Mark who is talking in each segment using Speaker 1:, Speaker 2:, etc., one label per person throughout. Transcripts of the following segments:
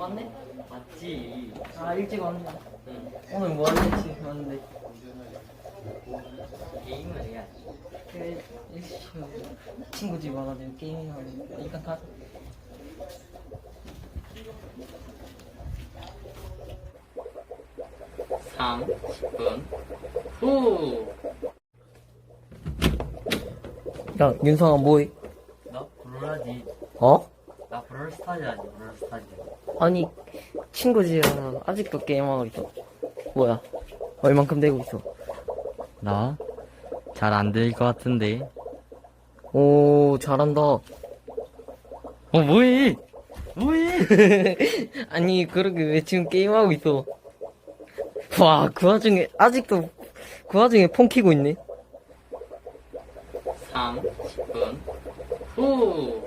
Speaker 1: 왔네?
Speaker 2: 맞지.
Speaker 1: 아 일찍 왔네.
Speaker 2: 응.
Speaker 1: 오늘 뭐 할지 왔는데.
Speaker 2: 게임을 해야지.
Speaker 1: 친구 집 와가지고 게임하고 일단 가자.
Speaker 2: 삼 10분 후.
Speaker 1: 야 윤성아 뭐해?
Speaker 2: 나 브롤하지.
Speaker 1: 어?
Speaker 2: 나 브롤스타즈 하지. 브롤스타즈.
Speaker 1: 아니 친구 집이랑 아직도 게임하고 있어. 뭐야? 얼만큼 되고 있어?
Speaker 2: 나? 잘 안 될 것 같은데.
Speaker 1: 오 잘한다.
Speaker 2: 뭐해? 뭐해?
Speaker 1: 아니 그러게 왜 지금 게임하고 있어? 와 그 와중에 아직도 그 와중에 폰 키고 있네.
Speaker 2: 3 10분 후.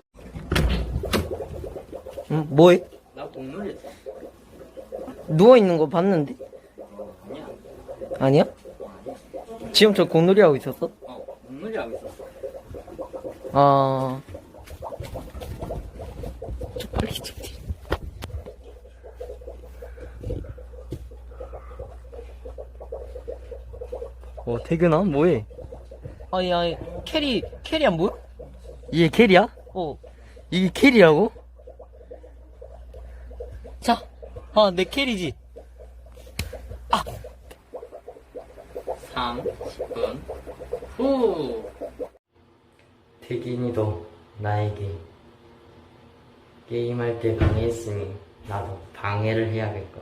Speaker 1: 응 뭐해?
Speaker 2: 나 공놀이 했어.
Speaker 1: 누워 있는 거 봤는데?
Speaker 2: 아니야.
Speaker 1: 아니야? 지금 저 공놀이 하고 있었어?
Speaker 2: 공놀이 하고 있었어.
Speaker 1: 아 빨리 좀.
Speaker 2: 태균아, 뭐해?
Speaker 1: 아니 캐리 안 보여?
Speaker 2: 이게 캐리야?
Speaker 1: 어.
Speaker 2: 이게 캐리라고?
Speaker 1: 자, 내 캐리지.
Speaker 2: 3 10분 후. 태균이도 나에게 게임할 때 방해했으니 나도 방해를 해야겠고.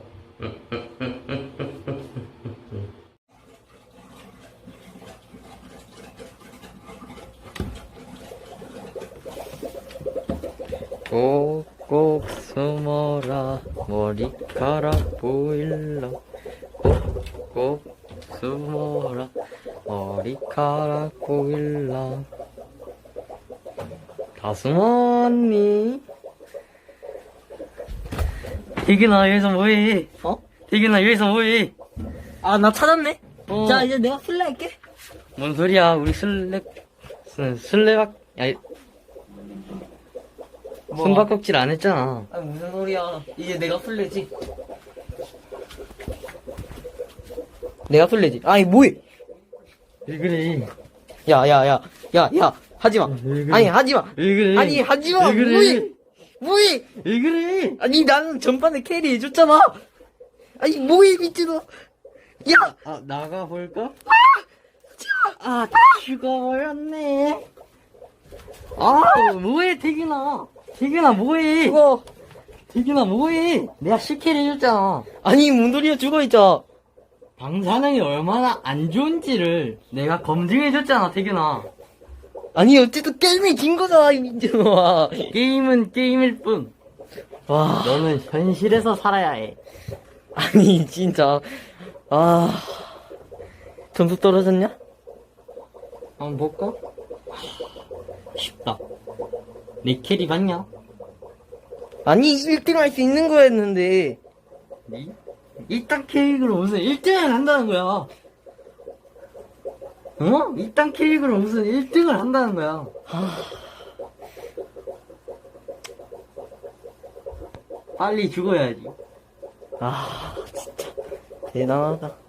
Speaker 2: 꼭꼭 숨어라 머리카락 보일라. 꼭꼭 숨어라 머리카락 보일라. 다 숨었니? 태균아 여기서 뭐해?
Speaker 1: 어?
Speaker 2: 태균아 여기서 뭐해?
Speaker 1: 나 찾았네.
Speaker 2: 어.
Speaker 1: 자, 이제 내가 술래 할게.
Speaker 2: 뭔 소리야? 우리 술래박 아니
Speaker 1: 뭐?
Speaker 2: 숨바꼭질 안 했잖아.
Speaker 1: 아니, 무슨 소리야. 이제 내가 술래지. 내가 술래지. 아니, 뭐해?
Speaker 2: 왜 그래?
Speaker 1: 야. 하지 마.
Speaker 2: 왜 그래?
Speaker 1: 아니, 하지 마.
Speaker 2: 왜 그래?
Speaker 1: 아니, 하지 마.
Speaker 2: 왜 그래?
Speaker 1: 뭐해?
Speaker 2: 왜 그래?
Speaker 1: 아니, 나는 전반에 캐리 해줬잖아. 아니, 뭐해, 미친놈. 야!
Speaker 2: 나가볼까? 죽어버렸네. 뭐해, 태균아. 태균아, 뭐해?
Speaker 1: 죽어.
Speaker 2: 태균아, 뭐해? 내가 실캐리 해줬잖아.
Speaker 1: 아니, 문도리야 죽어있자.
Speaker 2: 방사능이 얼마나 안 좋은지를 내가 검증해줬잖아, 태균아.
Speaker 1: 아니, 어쨌든 게임이 긴 거잖아, 이 민준아.
Speaker 2: 게임은 게임일 뿐.
Speaker 1: 와.
Speaker 2: 너는 현실에서 살아야 해.
Speaker 1: 아니, 진짜. 점수 떨어졌냐?
Speaker 2: 한번 볼까? 쉽다. 내 캐리 봤냐?
Speaker 1: 아니, 1등 할 수 있는 거였는데.
Speaker 2: 니? 이딴 캐릭으로 무슨 1등을 한다는 거야. 어? 이딴 캐릭으로 무슨 1등을 한다는 거야. 빨리 죽어야지.
Speaker 1: 진짜. 대단하다.